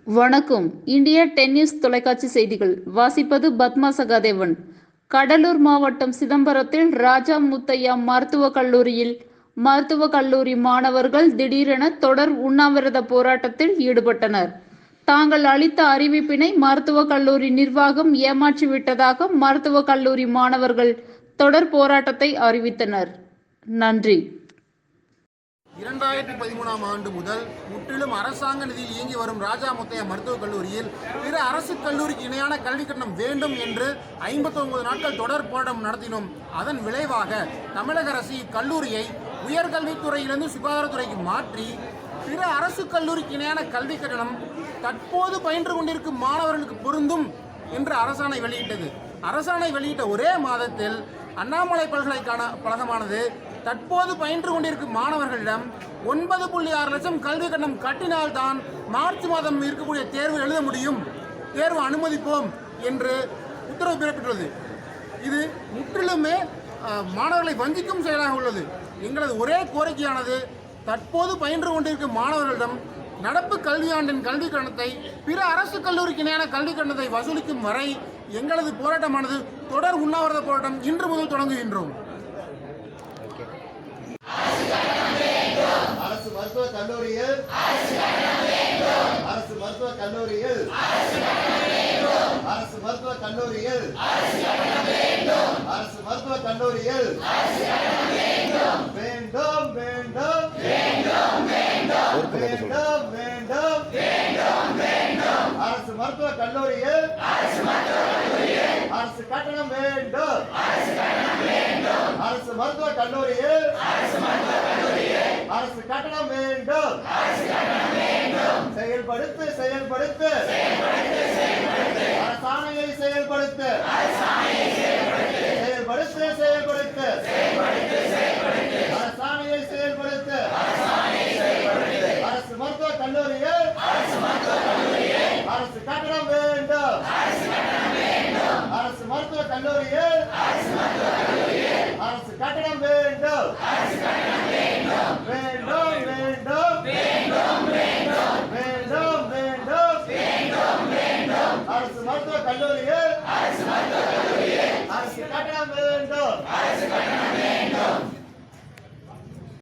வணக்கம். India tennis தொலைக்காட்சி செய்திகள் வாசிப்பது பத்மா சகாதேவன். கடலூர் மாவட்டம் சிதம்பரத்தில் ராஜா முத்தையா மருத்துவக் கல்லூரியில் மருத்துவக் கல்லூரி மாணவர்கள் திடீரென தொடர் உண்ணாவிரத போராட்டத்தில் ஈடுபட்டனர். தாங்கள் அளித்த அறிவிப்பினை மருத்துவக் கல்லூரி நிர்வாகம் ஏமாற்றிவிட்டதாக மருத்துவக் கல்லூரி மாணவர்கள் தொடர் போராட்டத்தை அறிவித்தனர். நன்றி. 2013ஆம் ஆண்டு முதல் முற்றிலும் அரசாங்க நிதியில் இயங்கி வரும் ராஜா முத்தையா மருத்துவக் கல்லூரியில் பிற அரசு கல்லூரிக்கு இணையான கல்வி கட்டணம் வேண்டும் என்று 59 நாட்கள் தொடர் போராட்டம் நடத்தினோம். அதன் விளைவாக தமிழக அரசு இக்கல்லூரியை உயர்கல்வித்துறையிலிருந்து சுகாதாரத்துறைக்கு மாற்றி பிற அரசு கல்லூரிக்கு இணையான கல்வி கட்டணம் தற்போது பயின்று கொண்டிருக்கும் மாணவர்களுக்கு பொருந்தும் என்று அரசாணை வெளியிட்டது. அரசாணை வெளியிட்ட ஒரே மாதத்தில் அண்ணாமலை பல்கலைக்கழகமானது தற்போது பயின்று கொண்டிருக்கும் மாணவர்களிடம் 9.6 லட்சம் கல்வி கட்டணம் கட்டினால்தான் மார்ச் மாதம் இருக்கக்கூடிய தேர்வு எழுத முடியும், தேர்வு அனுமதிப்போம் என்று உத்தரவு பிறப்பித்துள்ளது. இது முற்றிலுமே மாணவர்களை வஞ்சிக்கும் செயலாக உள்ளது. எங்களது ஒரே கோரிக்கையானது தற்போது பயின்று கொண்டிருக்கும் மாணவர்களிடம் நடப்பு கல்வியாண்டின் கல்வி கட்டணத்தை பிற அரசு கல்லூரிக்கு இணையான கல்வி கட்டணத்தை வசூலிக்கும் வரை எங்களது போராட்டமானது தொடர் உண்ணாவிரத போராட்டம் இன்று முதல் தொடங்குகின்றோம். அரசு மருத்துவக் கல்லூரியில் அரசு மருத்துவக் கல்லூரியில் அரசு மருத்துவக் கல்லூரியில் அரசு மருத்துவக் கல்லூரியில் வேண்டும் வேண்டும் வேண்டும் வேண்டும் அரசு மருத்துவக் கல்லூரியில் அரசு கட்டணம் வேண்டும் அரசு மருத்துவக் கல்லூரியில் அரசு கட்டணம் வேண்டும் செயல்படுத்து செயல்படுத்து அரசாணையை செயல்படுத்து செயல்படுத்து செயல்படுத்து அரசாணையை செயல்படுத்து அரசு மருத்துவக் கல்லூரியில் அரசு கட்டணம் வேண்டும் அரசு மருத்துவக் கல்லூரியில் அரசு கட்டணம் வேண்டும் வேண்டும் வேண்டும் வேண்டும் வேண்டும் அரசு மருத்துவக் கல்லூரியில்